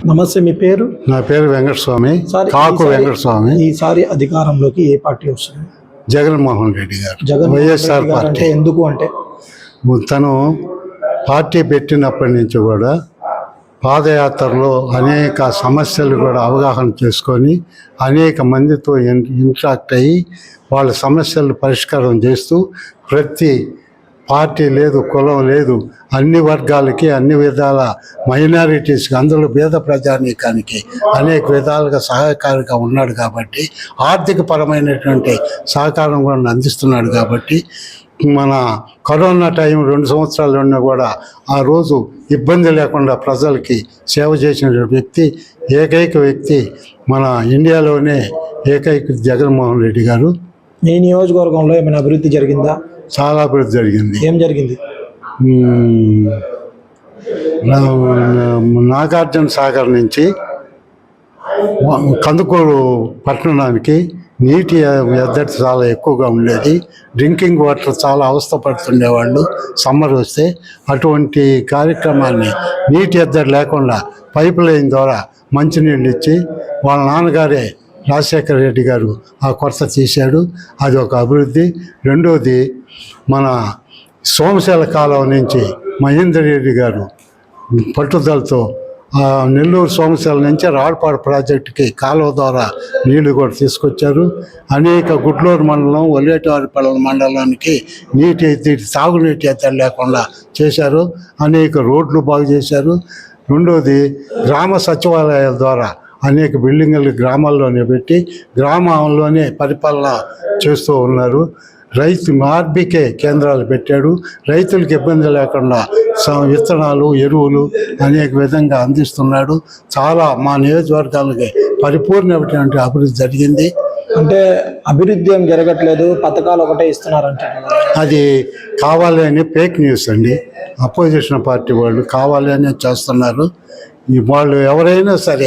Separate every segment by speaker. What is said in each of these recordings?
Speaker 1: నమస్తే, మీ పేరు?
Speaker 2: నా పేరు వెంకటస్వామి, కాకు వెంకటస్వామి.
Speaker 1: ఈసారి అధికారంలోకి ఏ పార్టీ వస్తుంది?
Speaker 2: జగన్మోహన్ రెడ్డి గారు,
Speaker 1: జగన్మోహన్
Speaker 2: వైఎస్ఆర్
Speaker 1: రెడ్డి గారు.
Speaker 2: పార్టీ.
Speaker 1: అంటే ఎందుకు అంటే
Speaker 2: తను పార్టీ పెట్టినప్పటి నుంచి కూడా పాదయాత్రలో అనేక సమస్యలు కూడా అవగాహన చేసుకొని అనేక మందితో ఇంటరాక్ట్ అయ్యి వాళ్ళ సమస్యలు పరిష్కారం చేస్తూ ప్రతి పార్టీ లేదు, కులం లేదు, అన్ని వర్గాలకి అన్ని విధాల మైనారిటీస్కి అందులో పేద ప్రజానీకానికి అనేక విధాలుగా సహాయకారిగా ఉన్నాడు కాబట్టి ఆర్థిక పరమైనటువంటి సహకారం కూడా అందిస్తున్నాడు కాబట్టి మన కరోనా టైం 2 సంవత్సరాలు ఉన్నా కూడా ఆ రోజు ఇబ్బంది లేకుండా ప్రజలకి సేవ చేసిన వ్యక్తి, ఏకైక వ్యక్తి మన ఇండియాలోనే ఏకైక జగన్మోహన్ రెడ్డి గారు.
Speaker 1: మీ నియోజకవర్గంలో ఏమైనా అభివృద్ధి జరిగిందా?
Speaker 2: చాలా అభివృద్ధి జరిగింది.
Speaker 1: ఏం జరిగింది?
Speaker 2: నాగార్జున సాగర్ నుంచి కందుకూరు పట్టణానికి నీటి ఎద్దడి చాలా ఎక్కువగా ఉండేది. డ్రింకింగ్ వాటర్ చాలా అవస్థపడుతుండేవాళ్ళు సమ్మర్ వస్తే. అటువంటి కార్యక్రమాన్ని నీటి ఎద్దడి లేకుండా పైప్ లైన్ ద్వారా మంచినీళ్ళు ఇచ్చి వాళ్ళ నాన్నగారే రాజశేఖర రెడ్డి గారు ఆ కొరత తీశాడు. అది ఒక అభివృద్ధి. రెండోది, మన సోమశేల కాలువ నుంచి మహేందర్ రెడ్డి గారు పట్టుదలతో నెల్లూరు సోమశేల నుంచి రాడ్పాడు ప్రాజెక్టుకి కాలువ ద్వారా నీళ్లు కూడా తీసుకొచ్చారు. అనేక గుడ్లూరు మండలం, ఒల్లేటివారిపల్లి మండలానికి తాగునీటి ఎత్తడి లేకుండా చేశారు. అనేక రోడ్లు బాగు చేశారు. రెండోది, గ్రామ సచివాలయాల ద్వారా అనేక బిల్డింగులు గ్రామాల్లోనే పెట్టి గ్రామంలోనే పరిపాలన చేస్తూ ఉన్నారు. రైతు ఆర్బీకే కేంద్రాలు పెట్టాడు. రైతులకు ఇబ్బంది లేకుండా విత్తనాలు, ఎరువులు అనేక విధంగా అందిస్తున్నాడు. చాలా మా నియోజకవర్గాలకి పరిపూర్ణమైనటువంటి అభివృద్ధి జరిగింది.
Speaker 1: అంటే అభివృద్ధి ఏం జరగట్లేదు, పథకాలు ఒకటే ఇస్తున్నారంటే
Speaker 2: అది కావాలి అని ఫేక్ న్యూస్ అండి. అపోజిషన్ పార్టీ వాళ్ళు కావాలి అని చేస్తున్నారు. వాళ్ళు ఎవరైనా సరే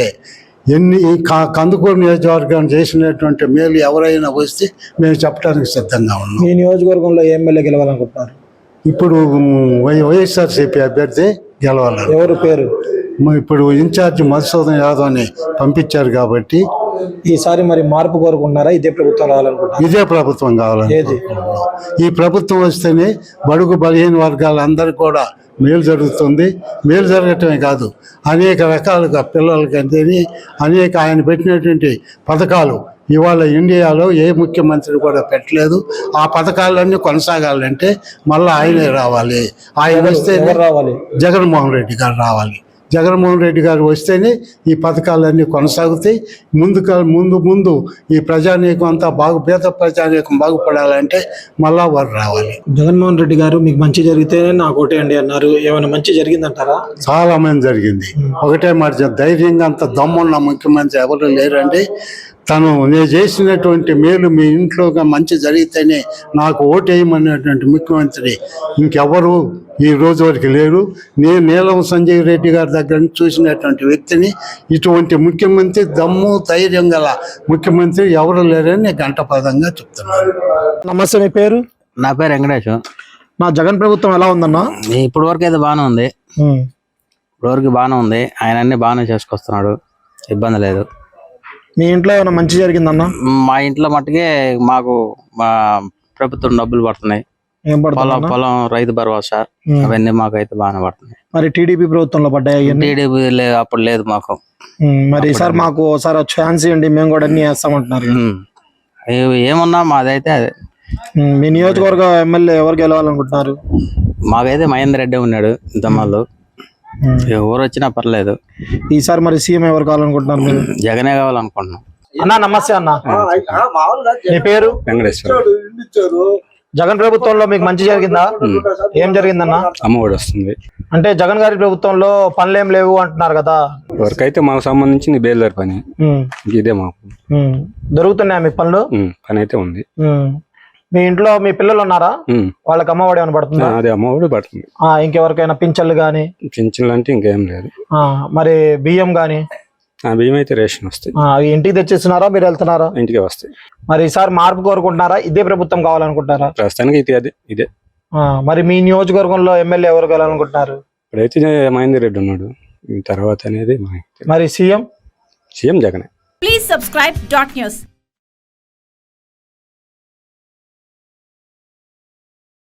Speaker 2: కందుకూరు నియోజకవర్గాన్ని చేసినటువంటి మేలు ఎవరైనా వస్తే మేము చెప్పడానికి సిద్ధంగా ఉన్నాం.
Speaker 1: మీ నియోజకవర్గంలో ఎమ్మెల్యే గెలవాలనుకుంటున్నారు?
Speaker 2: ఇప్పుడు వైఎస్ఆర్సీపీ అభ్యర్థి గెలవాలి.
Speaker 1: ఎవరు పేరు?
Speaker 2: ఇప్పుడు ఇన్ఛార్జ్ మధుసూదన్ యాదవ్ని పంపించారు కాబట్టి
Speaker 1: ఈసారి మరి మార్పు కోరుకుంటున్నారా? ఇదే ప్రభుత్వం రావాలనుకుంటున్నారు?
Speaker 2: ఇదే ప్రభుత్వం కావాలని. ఈ ప్రభుత్వం వస్తేనే బడుగు బలహీన వర్గాలందరికీ కూడా మేలు జరుగుతుంది. మేలు జరగటమే కాదు, అనేక రకాలుగా పిల్లలకి అనేక ఆయన పెట్టినటువంటి పథకాలు ఇవాళ ఇండియాలో ఏ ముఖ్యమంత్రి కూడా పెట్టలేదు. ఆ పథకాలన్నీ కొనసాగాలంటే మళ్ళీ ఆయనే రావాలి. ఆయన వస్తే
Speaker 1: రావాలి,
Speaker 2: జగన్మోహన్ రెడ్డి గారు రావాలి. జగన్మోహన్ రెడ్డి గారు వస్తేనే ఈ పథకాలన్నీ కొనసాగుతాయి. ముందు ఈ ప్రజానీకం అంతా పేద ప్రజానీకం బాగుపడాలంటే మళ్ళా వారు రావాలి.
Speaker 1: జగన్మోహన్ రెడ్డి గారు మీకు మంచి జరిగితేనే నాకు ఓటేయండి అన్నారు. ఏమైనా మంచి జరిగిందంటారా?
Speaker 2: చాలా మంది జరిగింది. ఒకటే మాట, ధైర్యంగా అంత దమ్మున్న ముఖ్యమంత్రి ఎవరు లేరండి. నేను చేసినటువంటి మేలు మీ ఇంట్లో మంచి జరిగితేనే నాకు ఓటేయమనేటువంటి ముఖ్యమంత్రి ఇంకెవరు ఈ రోజు వరకు లేరు. నేను నీలం సంజయ్ రెడ్డి గారి దగ్గర నుంచి చూసినటువంటి వ్యక్తిని. ఇటువంటి ముఖ్యమంత్రి, దమ్ము ధైర్యం గల ముఖ్యమంత్రి ఎవరు లేరని గంటపదంగా చెప్తున్నాను.
Speaker 1: నమస్తే, మీ పేరు?
Speaker 3: నా పేరు వెంకటేష్.
Speaker 1: నా జగన్ ప్రభుత్వం ఎలా ఉందన్నా?
Speaker 3: ఇప్పటి వరకు అయితే బాగానే ఉంది. ఇప్పటివరకు బాగానే ఉంది. ఆయన అన్ని బాగానే చేసుకొస్తున్నాడు, ఇబ్బంది లేదు.
Speaker 1: మీ ఇంట్లో ఏమైనా మంచి జరిగిందన్నా?
Speaker 3: మా ఇంట్లో మట్టుకే మాకు మా ప్రభుత్వం డబ్బులు పడుతున్నాయి. పొలం రైతు భరోసా అవన్నీ మాకు అయితే బాగానే పడుతున్నాయి.
Speaker 1: మరి టీడీపీ ప్రభుత్వంలో పడ్డాయి?
Speaker 3: టీడీపీ అప్పుడు లేదు మాకు.
Speaker 1: మరి ఈసారి మాకు ఒకసారి ఛాన్స్ ఇవ్వండి, మేము కూడా అన్ని వేస్తామంటున్నారు.
Speaker 3: ఏమన్నా మాదైతే అదే.
Speaker 1: మీ నియోజకవర్గ ఎమ్మెల్యే ఎవరు గెలవాలనుకుంటున్నారు?
Speaker 3: మాకైతే మహేందర్ రెడ్డి ఉన్నాడు ఇంతమాళ్ళు. ఎవరు వచ్చినా పర్లేదు.
Speaker 1: ఈసారి మరి సీఎం ఎవరు కావాలనుకుంటున్నారు మీరు?
Speaker 3: జగనే కావాలనుకుంటున్నాం.
Speaker 1: అన్నా నమస్తే అన్న, మీ పేరు?
Speaker 4: వెంకటేశ్వర.
Speaker 1: జగన్ ప్రభుత్వంలో మీకు మంచి జరిగిందా? ఏం జరిగిందన్నా?
Speaker 4: అమ్మఒడి వస్తుంది.
Speaker 1: అంటే జగన్ గారి ప్రభుత్వంలో పనులు ఏం లేవు అంటున్నారు కదా.
Speaker 4: వరకైతే మాకు సంబంధించింది బేల్దారి పని, ఇదే మాకు
Speaker 1: దొరుకుతున్నాయా మీకు పనులు?
Speaker 4: పని అయితే ఉంది.
Speaker 1: మీ ఇంట్లో మీ పిల్లలు ఉన్నారా? వాళ్ళకి అమ్మఒడి ఏమైనా పడుతుందా?
Speaker 4: అదే అమ్మఒడి పడుతుంది.
Speaker 1: ఇంకెవరికైనా పింఛన్లు గానీ?
Speaker 4: పింఛన్లు అంటే ఇంకేం లేదు.
Speaker 1: మరి బియ్యం గానీ?
Speaker 4: బియ్యం అయితే రేషన్ వస్తాయి.
Speaker 1: ఇంటికి తెచ్చిస్తున్నారా, మీరు వెళ్తున్నారా?
Speaker 4: ఇంటికి వస్తాయి.
Speaker 1: మరి ఈసారి మార్పు కోరుకుంటున్నారా? ఇదే ప్రభుత్వం కావాలనుకుంటారా?
Speaker 4: ప్రస్తుతానికి అయితే ఇదే.
Speaker 1: మరి మీ నియోజకవర్గంలో ఎమ్మెల్యే ఎవరు కావాలనుకుంటున్నారు?
Speaker 4: ఇప్పుడైతే మహేందర్ రెడ్డి ఉన్నాడు. ఈ తర్వాత అనేది మనకి
Speaker 1: మరి సీఎం
Speaker 4: సీఎం జగనే.
Speaker 5: Please subscribe dot news.